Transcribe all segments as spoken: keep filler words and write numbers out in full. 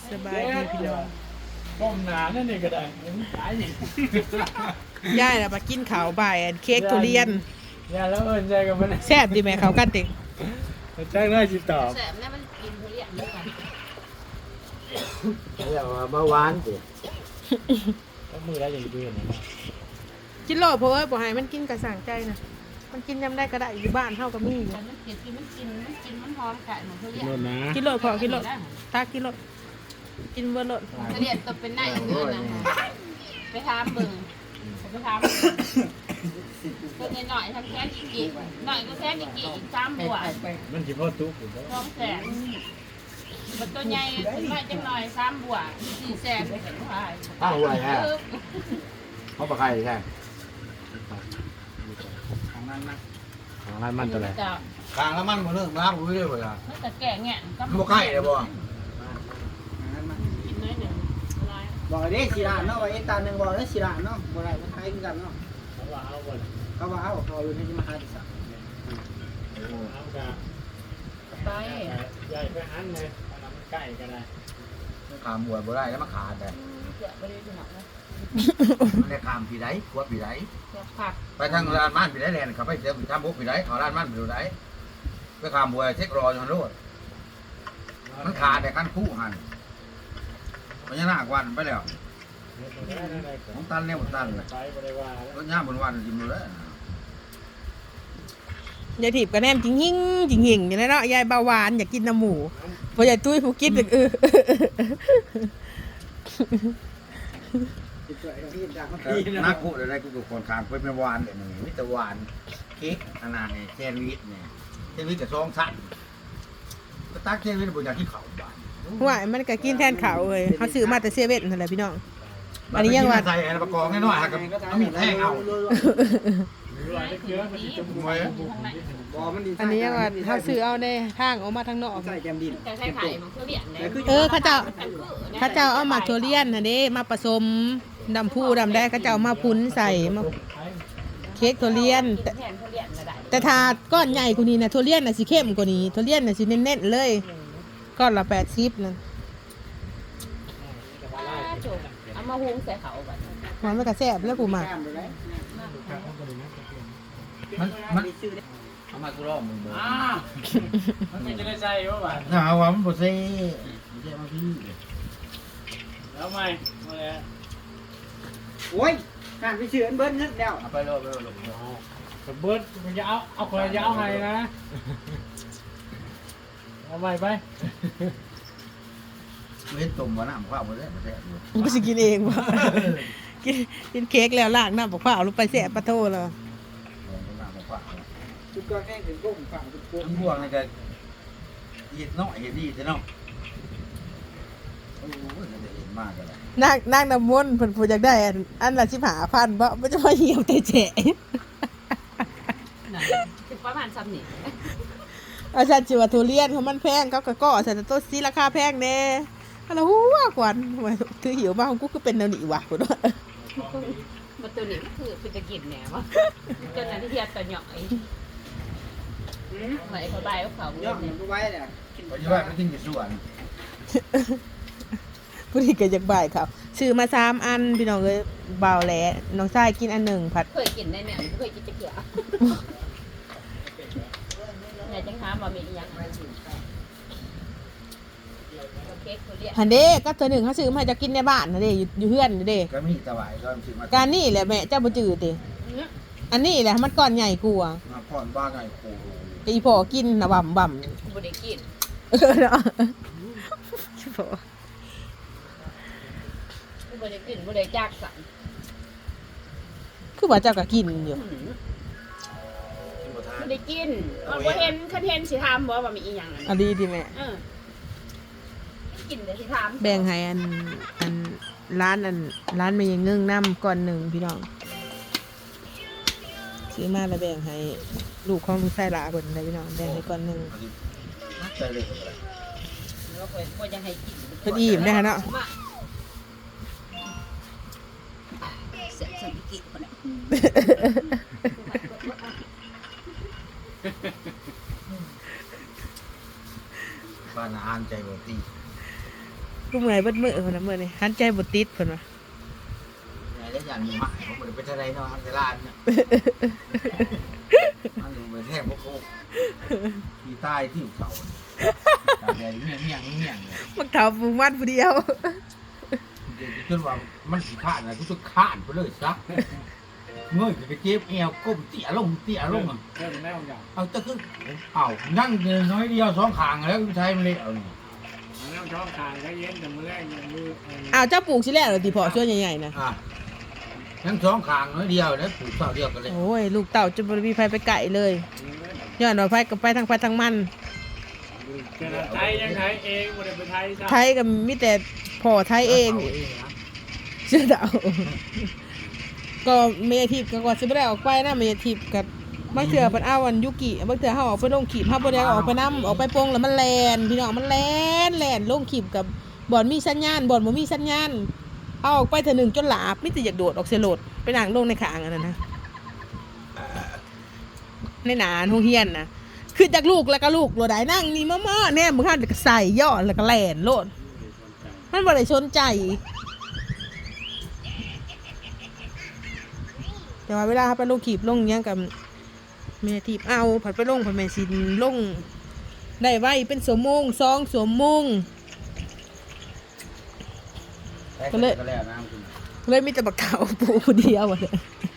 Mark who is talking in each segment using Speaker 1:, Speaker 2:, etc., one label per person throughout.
Speaker 1: สบายดีพี่น้อง
Speaker 2: ก้มหนานั่นนี่ก็ได้ขายอย่าง
Speaker 1: ย่ายน่ะมากินข้าวบ่ายอันเค้กทุเรียน
Speaker 2: อย่าแล้วเอิญใจกับมัน
Speaker 1: แซ่บดีไหมเขากันติ
Speaker 2: แจ้งได้จิตตอบ
Speaker 3: แสบเนี่ยมันกินทุเรียนด้วยกัน
Speaker 4: เรียกว่าเบาหวานสิ
Speaker 2: ก็มือได้อย่างเดือนนะ
Speaker 1: กินโลดเพราะว่าบ่ให้มันกินกระสั่งใจนะมันกินยำได้ก็ได้อยู่บ้านเฮาก็มีอยู่
Speaker 3: แต่มันกินกินมันกินมันกินมันหอมไก่เหมือนทุเรียน
Speaker 2: โน่นนะ
Speaker 1: กินโลดพอกินโลดตากินโลดกินเบอร์โลด
Speaker 3: ทุเรียนตัวเป็นหน้าอย่างเงี้ยนะไปทำเบิ่งไปทำตัวหน่อยทำแค่อีกกี่หน่อยก็แค่อีกกี่อีกสามบัว
Speaker 2: มันจีพ่อตุ๊กอยู่แล้ว
Speaker 3: สองแสนมันตัวใหญ่หน่อยจังหน่อยสามบัวสี่แสนเป็นเท่าไหร่
Speaker 4: อ้าวไหวฮะเขาปลาไข่ใช่
Speaker 2: ทางนั้นนะ
Speaker 4: ทางนั้นมันตัวไหน
Speaker 3: จะ
Speaker 4: กลางแล้วมันหมดเรื่องน้ำรู้เรื่องเลยอ่ะ
Speaker 3: มันจะแก่เงี้ย
Speaker 4: บ่ไข่เลยบ่
Speaker 3: กินน้อยหนึ่งอะไร
Speaker 5: บอกเลยสิรานเนาะว่าไอ้ตาหนึ่งบอกเลยสิรานเนาะบ่ได้มันคล้ายกันเนาะ
Speaker 2: เขาว่าเอาหมด
Speaker 5: เขาว่าเอาเขาอยู่ที่มหาดิษะ
Speaker 2: เอากะ
Speaker 3: ไป
Speaker 2: ใหญ่ไปหันเลยเอาน้ำใกล้ก็ได้
Speaker 4: ขามบัวบ่ได้แล้วมาขาดแต่
Speaker 3: เดี๋ยวไปดูที่หนังนะ
Speaker 4: มันได้ขามปีไหนขวดปีไหน
Speaker 3: เดี๋ยวผัก
Speaker 4: ไปทางร้านมันปีไหนแลนเขาไปเจอทำบุกปีไหนเขาร้านมันปีไหนไปขามบัวเช็ครออยู่ฮันโลดมันขาดแต่ขั้นคู่หันมันยังหน้ากวันไปแล้วของตันเนี่ยของตันเลย
Speaker 2: ไปบริวาร
Speaker 4: รถย่างบนวันจิ้มเลย
Speaker 1: ยายถีบกระแนมจริงหิ่งจริงหิ่งอย่างนั้นเนาะยายเบาหวานอยากกินน้ำหมูพอยายตุ้ยผู้กินเออ
Speaker 5: ติดตัวไอ้ที่ดังมัน
Speaker 4: นักกูอะไรกูกับคนขางไปเป็นวานเลยมันมิตรวานเค้กอันนั้นเนี่ยแซนด์วิชเนี่ยแซนด์วิชกับซองสั้นก็ตักแซนด์วิชบนอย่างที่เขาบ้าน
Speaker 1: ว่ามันก็กินแทนข้าวเอ้ยเขาซื้อมาแต่เซเว่นนั่นแหละพี่น้อง อันนี้ยังว่า
Speaker 4: ใส่อะไรประกอบน้อยๆครับเอามีดแทงเอา
Speaker 2: รวยได้เยอะมันจะมวย
Speaker 5: บ่มันดี
Speaker 1: อันนี้ยังว่าเขาซื้อเอาในทางออกมาทางนอก
Speaker 5: ใส่แกมดิน
Speaker 3: จะใช้ไข่ของทุเรียนเลย
Speaker 1: เออเขาเจ้าเขาเจ้าเอาหมักทุเรียนน่ะเด้มาผสมดำผู้ดำได้เขาเจ้ามาพุ้นใส่มาเค้กทุเรียน แต่
Speaker 3: แทนทุเรียนก็ได้
Speaker 1: แต่ถาดก้อนใหญ่กว่านี้นะทุเรียนน่ะสิเข้มกว่านี้ทุเรียนน่ะสิเน้นๆเลยก้อนละแปดสิบนั่น
Speaker 3: จบเอามาหุงใส่เขาแบบ
Speaker 1: มันไม่กระแซบแล้วกูมา
Speaker 5: แก้มเลย
Speaker 4: มันมันเอามากูรอบมึงเบอร์
Speaker 2: อ้ามันจะได้ใจว่าบ้าน
Speaker 4: น่าเอาว่ามันบ่เซ่ไม่ใช่มาพี่
Speaker 2: แล้วไม่มาแล้ว
Speaker 5: โอ้ยการไปซื้ออันเบิ้ลนึกแล้ว
Speaker 4: เอาไปรอบไปรอบ
Speaker 2: แต่เบิร์ดมันจะเอาเอาคนจะเอาไงนะเอาใหม่ไป
Speaker 4: เล่นตุ่มวะน้ำข้าวบ่ได้บ่แซ่บอยู่
Speaker 1: มันก็สิกินเองวะกินกินเค้กแล้วล้างน้ำบอกว่าเอาลงไปแสบปะโทเลย
Speaker 4: น้ำข้าว
Speaker 5: จุดก็แค่ถึงก้มฝั่งจุดโค้ง
Speaker 4: ทั้งพวกนี่ก็เห็ดน้อยเห็ดดีแต่เนาะโอ้ยจะเห็นมากเลย
Speaker 1: นั่งนั่งน้ำมนต์เพิ่นพูดอยากได้อันอันละสิบห้าพันบ่มันจะมาเหี่ยวแต่แฉะ
Speaker 3: สิบประมาณซ้ำนี่
Speaker 1: อาจารย์จิว่าทุเรียนของมันแพงเขาก็ก่อใส่แต่ต้นซีราคาแพงแน่อันละหัวกวนว่าคือหิวมาของกูก็เป็นแนวนี้ว่ะพุ่นว่า
Speaker 3: มาตัวนี้คือเป็นตะกินแหนวะจนนั้นที่เทียบตัวหน่อยไหนเขาใบเขาเขา
Speaker 5: ย่อมมันก็ไว้เนี่ย
Speaker 4: ปัจจุบันไม่ทิ้งกี่ส่วน
Speaker 1: ผู้ที่เกิดจากบ่ายครับซื้อมาสามอันพี่น้องเอ้ยเบาแหล้น้องชายกินอันหนึ่งผัด
Speaker 3: เคยกินได้แม่เคยกินตะเกียบไหนจังหาบะหมี่ยังเค้กทุเรียน
Speaker 1: หันเด้ก็ตัวหนึ่งเขาซื้อมาให้จะกินในบ้านนะเด้อยู่อยู่เฮือนนะเด้
Speaker 4: ก็มีตะไคร้ก็ซื้อมา
Speaker 1: การนี่แหละแม่เจ้าบ่จืดติอันนี้แหละมันก้อนใหญ่กว่า
Speaker 4: มาพ่อนบ้าไงโค
Speaker 1: แต่อีพ่อกินนะบ่ำบ่ำ
Speaker 3: บุได้กิน
Speaker 1: เออเนาะอีพ่อ
Speaker 3: บุได้กินบุได้จากสั่ง
Speaker 1: คือว่าเจ้าก็กินอยู่
Speaker 3: บุได้กินมันบ่เห็นคันเห็นสิทำบ่ว่ามีอีหยัง
Speaker 1: อันดีดีแม่
Speaker 3: เออกินเดี๋ยวสิทำ
Speaker 1: แบ่งให้อันอันร้านอันร้านมันยังเงื่งน้ำก่อนหนึ่งพี่น้องซื้อมาแล้วแบ่งให้ลูกของลูกชายหลาคนเลยพี่น้องแบ่งให้ก่อนหนึ่ง
Speaker 4: ใจเลย
Speaker 3: แล้วก็บ่ยังให้กิน
Speaker 1: เพิ่นอิ่มได้อค่ะเนาะ
Speaker 3: เสร็จสักกินคนน่ะ
Speaker 4: บ้านอ่านใจบ่ตี
Speaker 1: กูเมื่อยเบิดมือคนละมือนี่หันใจบ่ติดเพิ่นว่า
Speaker 4: ไหนได้ยันมีหมายผมบ่ได้ไปเท่าไรเนาะอันตรายเนี่ยมันอยู่ไปแทบบ่โคกที่ใต้ที่เสาตาแดงเมี่ยงเมี่ยงเมี่ยงเนี่ย
Speaker 1: มักเฒ่าปูมันผู้เดียว
Speaker 4: จนว่ามันสิขาดนะกูจะขาดไปเลยซะเงยไปเจ็บเอวก้มเตี่ยลงเตี่ยลงอ่ะ
Speaker 2: เรื่องแม่ของอย่าง
Speaker 4: เอาตะขึ้นเอานั่งเดินน้อยเดียวสองขางแล้วใช้มันเลยเอานี่
Speaker 2: มันต้องช่องทางก็เย็นแต่มือแรกยังมือ
Speaker 1: อ้าวเจ้าปลูกสิแล้วเหรอติพ่อช่วยใหญ่ๆนะ
Speaker 4: อ่ะทั้งสองขางน้อยเดียวแล้วปลูกเสาเดียวกันเลย
Speaker 1: โอ้ยลูกเต่าจะบ่มีไผไปไก่เลยย้อนว่าไผก็ไปทางไผทางมัน
Speaker 2: เจอไทยยังไทยเองบ่ได้ไปไทย
Speaker 1: ไทยก็มีแต่พ่อไทยเองเชื่อเดาก็เมยทิพย์ก็ก่อนสิบ่ได้ออกไปนะเมยทิพย์กับบางเทื่อเพิ่นเอาอันยุกิบางเทื่อเฮาออกไปลงขีบเฮาบ่ได้ออกไปนํออกไปโปงแล้วมันแล่นพี่น้องมันแล่นแล่นลงขีบกับบ่อนมีสัญญาณบ่อนบ่มีสัญญาณเอาออกไปเทื่อหนึงจนหลาบมีแต่อยากโดดออกเสยโลดไปนั่งลงในข้างอันนั้นนะในหนาโรงเรียนน่ะคือจากลูกแล้วก็ลูกโลดได้นั่งนี่มาๆแน่มึงหันก็ใส่ย่อแล้วก็แล่นโลดมันบ่ได้สนใจแต่ว่าเวลาไปลงขีบลงหยังกับแม่ทีบเอาผัดไปลงผัดแม่สินลงได้ไว้เป็นสมมงสองสมมง
Speaker 4: ก็เลยก็แล้วน้ำคุณ
Speaker 1: เลยมีแต่บักเต่าปูผู้เดียวอะเลย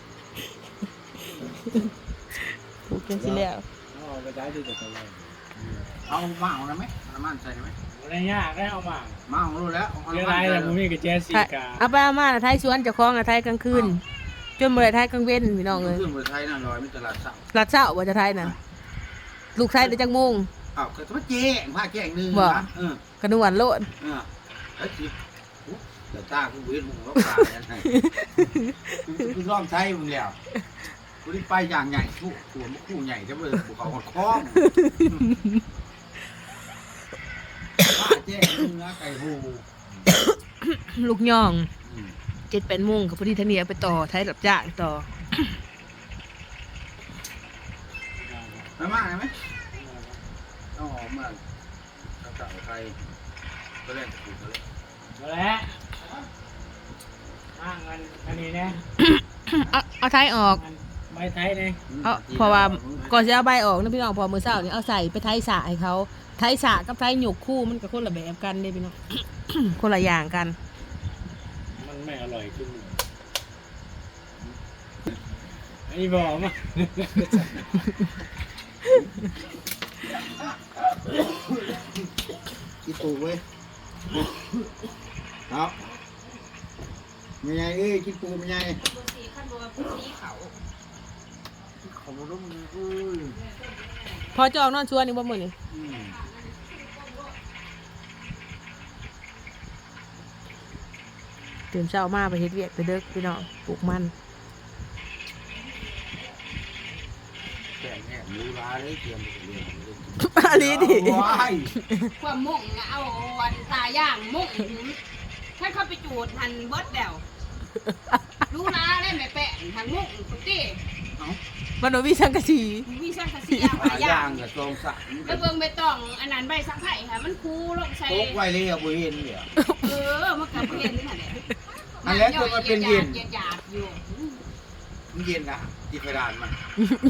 Speaker 1: ปูกินสิแล้ว
Speaker 2: เอาไปได้ที่จะทำอะไร
Speaker 4: เอามาเอานะไหมน้ำมันใส่ไหม
Speaker 2: อะไรยากได้เอามา
Speaker 4: มาเอารู้แล้ว
Speaker 2: เรื่องอะไรแต่ผมมีกับเจสสิกา
Speaker 1: เอาไปเอามาน่ะไทยสวนเจ้าของน่ะไทยกลางคืนจนบ่ได้ไทยกลางเว้นพี่น้องเลย
Speaker 4: ขึ้นบนไทยน่ะลอยมีตลาดสั่ง
Speaker 1: รัดเช้าว่าจะไทยน่ะลูกไทยได้จักโมง
Speaker 4: อ้าวก็ต้องแจ้งผ้าแจ้งหนึ่ง
Speaker 1: บ่
Speaker 4: นะเออก
Speaker 1: ระนวนโลด
Speaker 4: เออไอ้สิเดี๋ยวตากูเวียนมึงรบตาอย่างไรกูร้องไทยมึงแล้วกูได้ไปอย่างใหญ่คู่ตัวมันคู่ใหญ่จะเบิกกูเขาหดคล้องผ้าแจ้งหนึ่งนะไก่หู
Speaker 1: ลูกย่องเจ็ดแปดโมงกับพอดีทางนี้เอาไปต่อไทยรับจ้างต่อ
Speaker 4: ไม่มากไหมเอาหอมมากข้าวเก่าไทยก็เล่นถูกเขาเลย
Speaker 2: มาแล้วอ้างอันอันนี้เนี่ย
Speaker 1: เอาเอาไทยออก
Speaker 2: ไม่ไทยเนี่ย
Speaker 1: เอาเพราะว่าก่อนจะเอาใบออกนะพี่น้องพอมือเช้านี่เอาใส่ไปไทยสระให้เขาไทยสระกับไทยหยกคู่มันก็คนละแบบกันเด้พี่น้อง คนละอย่างกัน
Speaker 2: มันไม่อร่อยขึ้นไอ้บอกมา
Speaker 4: กินตูเว้ยครับไม่ไงเอ้ยกินปูไม่ไง
Speaker 3: ปูสีขั้นบัวปูสีเขา
Speaker 4: ขอบคุณมึงเอ้ย
Speaker 1: พอจะออกนอนชวนนี่บ่มื้อนี่
Speaker 4: อืม
Speaker 1: ตื่นเช้ามาไปเฮ็ดเวียกไปเด้อพี่น้องปลูกมัน
Speaker 4: แก่แง่หมูร้าเลยเตรียมไปเรียนเลย
Speaker 1: อันนี้ดิ
Speaker 4: ว้าย
Speaker 3: ความมุ่งน่ะเอาวันตาย่างมุ่งถ้าเข้าไปจูดหันเบิดเดวรู้นะได้ไหมแปะหันมุ่งตุ๊กตี้
Speaker 1: มันบ่มีสังกะสี
Speaker 3: มีช่างกระเสีย
Speaker 4: หา
Speaker 3: หาย่า
Speaker 4: ย่าง
Speaker 3: ง
Speaker 4: กับตรงสัก
Speaker 3: แล้วเบิ่งใบตองอันนั้นใบสังไผ่ค่ะมันคูลงใส่
Speaker 4: โต๊ะไว้เลยอะบุเห็นเนี่ย
Speaker 3: เออมันกับเย็นนั่นแหละ
Speaker 4: อันแล้วก็มันเป็นเย็น
Speaker 3: หยาบๆอยู่
Speaker 4: มันเย็นนะที่กระดานมัน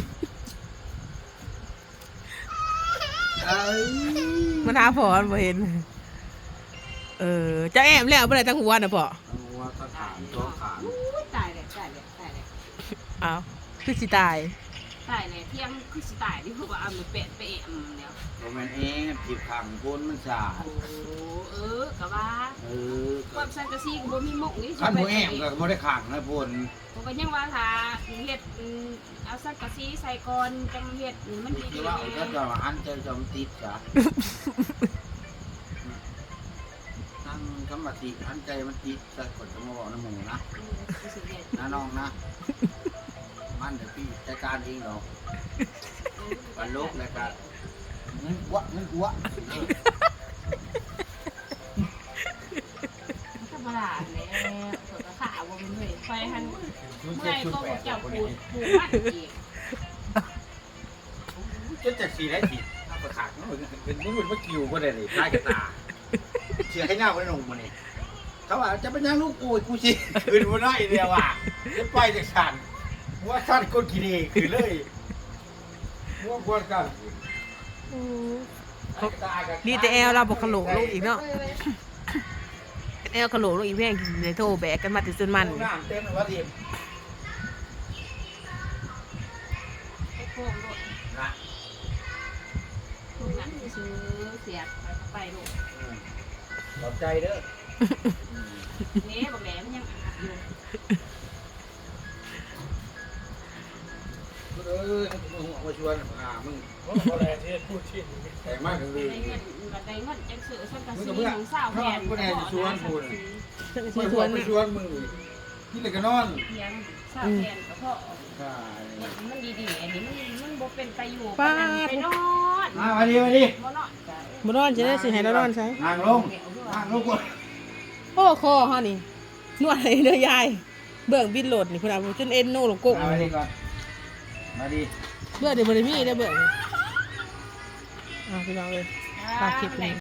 Speaker 4: เอ้ย
Speaker 1: มันหาพอมันบ่เห็น เออเจ้าแอมแล้วบ่ได้ตั้งหัวน่ะพ่อ
Speaker 4: เอาว่าก็ถามตัวขาน
Speaker 3: อุ๊ยตายเลยตายเลยตายเลย
Speaker 1: อ้าวคือสิตาย
Speaker 3: ตายเลยเที่ยงคือสิตายที่เขาบอกเอามือเป็ดไปเอ็มเนี่ย
Speaker 4: โรแมนเองผิดขังคนมันสาด
Speaker 3: โอ้เออกะว่า
Speaker 4: เออ
Speaker 3: ความสังกะสีก็บ่มีมุกนี่
Speaker 4: ขันหัวแอมก็ไม่ได้ขังนะพน
Speaker 3: ผมก็ยังว่าถ้าเฮ็ดอืมเอาสังกะสีใส่ก่อนจังเฮ็ดนี่มันดี
Speaker 4: ที่ว่าเขาจะมาอันเจอจอมติดจ้ะนั่งธรรมติอันใจมันติดแต่กดจะมาบอกน้ำหมูนะนะน้องนะ มันเดี๋ยวพี่จัดการเองหรอกวันลบเลยครับเงินวะเงินวะ
Speaker 3: ธรรมดาแล้วเปิดกระขาบ่มันเฮ้ยไฟหันเมื่อยก็บ่เจ้าปูดปูมันอีก
Speaker 4: จะจัดสีได้สีถ้าประขาดมันเป็นมันเป็นว่าคิวก็ได้เลยได้กับตาสีสียให้หน้าคนหนุ่มมาเนี่ยเขาว่าจะเป็นยังลูกกูกูสิคืนมาได้เดียวอ่ะจะไปจากฉันว่าฉันคนขี้ดีคือเลยว่าควรกัน
Speaker 1: ดีแต่แอลเราบอกขลุ่ลูกอีกเนาะแอลขลุ่ลูกอีกแม่งในโทรแบกกันมาถึงจนมัน
Speaker 4: น้ำเต็มเลยว่าทีม
Speaker 3: ไอ้พวกรถ
Speaker 4: นะ
Speaker 3: พวกนั้นซื้อเสียบไปลูก
Speaker 4: ขอบใจเด้อ
Speaker 3: นี่บอกแหลมยังอัดอยู่
Speaker 4: เออมึงมาชวนอ่ามึง
Speaker 2: อะไรที่พูดที่
Speaker 4: แต่งมากเล
Speaker 3: ได้
Speaker 4: ย
Speaker 3: เงินบัดได้เงินจังซื้อสังกะ
Speaker 4: มึง
Speaker 3: สี
Speaker 4: กับเพื่อน
Speaker 3: ของสาวแทน
Speaker 4: มึงแน่ชวนกู
Speaker 1: ฉัน
Speaker 4: ไม่
Speaker 1: สิ
Speaker 4: ช
Speaker 1: ช
Speaker 4: ว
Speaker 1: วน น
Speaker 4: ไม่ชวนมึงนี่แต่ก็นอน
Speaker 3: เพียงสาวแทนก็พอ
Speaker 4: ใช่
Speaker 3: มันดีๆอันนี้มันมันบ่เป็นไปอยู่
Speaker 1: ป้า
Speaker 3: ไปนอน
Speaker 4: มามาดีมาดี
Speaker 3: บ่นอนจ้ะ
Speaker 1: บ่นอนจะได้สิให้เรานอนใช่
Speaker 4: นั่งลงนั่งลงกู
Speaker 1: โอ้คอเฮานี่นวดให้เด้อยายเบิ่งบินโหลดนี่พุ่นน่ะจนเอ็นโนลงกก
Speaker 4: มาดีก่อนมาดี
Speaker 1: เบื่อเดี๋ยวบ่ได้มีได้เบื่ออ่ะพี่น้องเอ้ยฝากคลิปนี้